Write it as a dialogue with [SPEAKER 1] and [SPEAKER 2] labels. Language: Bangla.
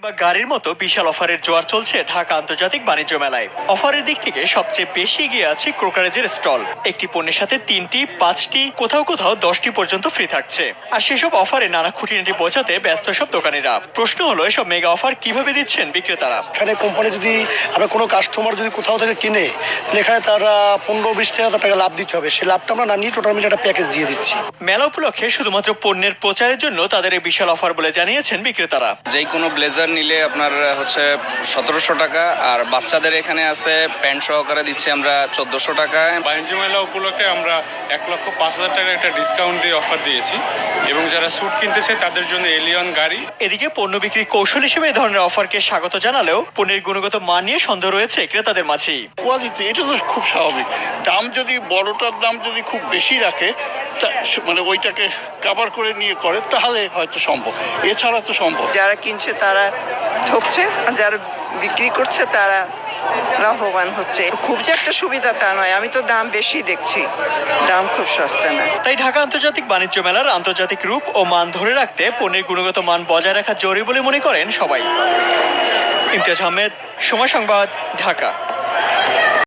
[SPEAKER 1] বা গাড়ির মতো বিশাল অফারের জোয়ার চলছে ঢাকা আন্তর্জাতিক বাণিজ্য মেলায়। অফারের দিক থেকে সবচেয়ে বেশি এগিয়ে আছে ক্রোকারেজের স্টল। একটি পণ্যের সাথে 3টি, 5টি, কোথাও কোথাও 10টি পর্যন্ত ফ্রি থাকছে। আর সেসব অফারে নানা খুঁটিনাটি বোঝাতে ব্যস্ত সব দোকানিরা। প্রশ্ন হলো, এসব মেগা অফার কিভাবে দিচ্ছেন বিক্রেতারা?
[SPEAKER 2] এখানে কোম্পানি যদি আমরা কোনো কাস্টমার যদি কোথাও থেকে কিনে, তাহলে এখানে তারা 15-20 টাকা লাভ দিতে হবে। সেই লাভটা আমরা না নিয়ে টোটাল মিলে একটা প্যাকেজ দিয়ে দিচ্ছি।
[SPEAKER 1] মেলা উপলক্ষে শুধুমাত্র পণ্যের প্রচারের জন্য তাদের এই বিশাল অফার বলে জানিয়েছেন বিক্রেতারা।
[SPEAKER 3] যে কোনো ব্লেজার নিলে আপনার হচ্ছে 1700 টাকা, আর বাচ্চাদের এখানে আছে প্যান্ট সহকারে দিচ্ছি আমরা 1400 টাকায়।
[SPEAKER 4] বাণিজ্য মেলা উপলক্ষে আমরা 1,05,000 টাকার একটা ডিসকাউন্ট দিয়ে অফার দিয়েছি, এবং যারা স্যুট কিনতেছে তাদের জন্য এলিয়ন গাড়ি।
[SPEAKER 1] এদিকে পণ্য বিক্রির কৌশল হিসেবে এই ধরনের অফারকে স্বাগত জানালেও পণ্যের গুণগত মান নিয়ে সন্দেহ রয়েছে ক্রেতাদের মাঝেই।
[SPEAKER 5] কোয়ালিটি এটা তো খুব স্বাভাবিক। দাম যদি বড়টার দাম যদি খুব বেশি রাখে, মানে ওইটাকে কভার করে নিয়ে করে, তাহলে হয়তো সম্ভব, এছাড়া তো সম্ভব।
[SPEAKER 6] যারা কিনছে তারা ঠকছে, আর যারা বিক্রি করছে তারা লাভবান হচ্ছে। খুব যে একটা সুবিধা তা নয়, আমি তো দাম বেশি দেখছি, দাম খুব সস্তা না।
[SPEAKER 1] তাই ঢাকা আন্তর্জাতিক বাণিজ্য মেলার আন্তর্জাতিক রূপ ও মান ধরে রাখতে পণ্যের গুণগত মান বজায় রাখা জরুরি বলে মনে করেন সবাই। ইমতিয়াজ আহমেদ, সময় সংবাদ, ঢাকা।